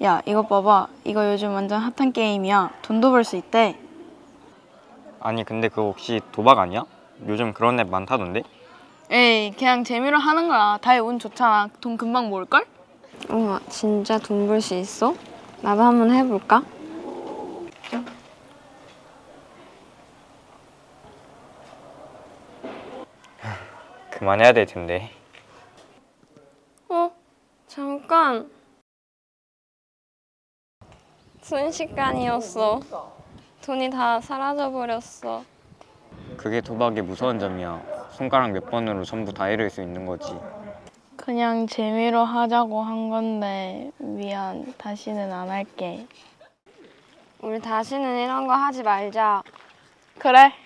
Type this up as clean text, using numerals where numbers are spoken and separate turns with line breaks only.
야, 이거 봐봐. 이거 요즘 완전 핫한 게임이야. 돈도 벌 수 있대.
아니 근데 그거 혹시 도박 아니야? 요즘 그런 앱 많다던데?
에이, 그냥 재미로 하는 거야. 다이 운 좋잖아. 돈 금방 모을걸?
우와, 진짜 돈 벌 수 있어? 나도 한번 해볼까?
그만해야 될 텐데.
잠깐. 순식간이었어. 돈이 다 사라져버렸어.
그게 도박의 무서운 점이야. 손가락 몇 번으로 전부 다 잃을 수 있는 거지.
그냥 재미로 하자고 한 건데 미안. 다시는 안 할게.
우리 다시는 이런 거 하지 말자.
그래.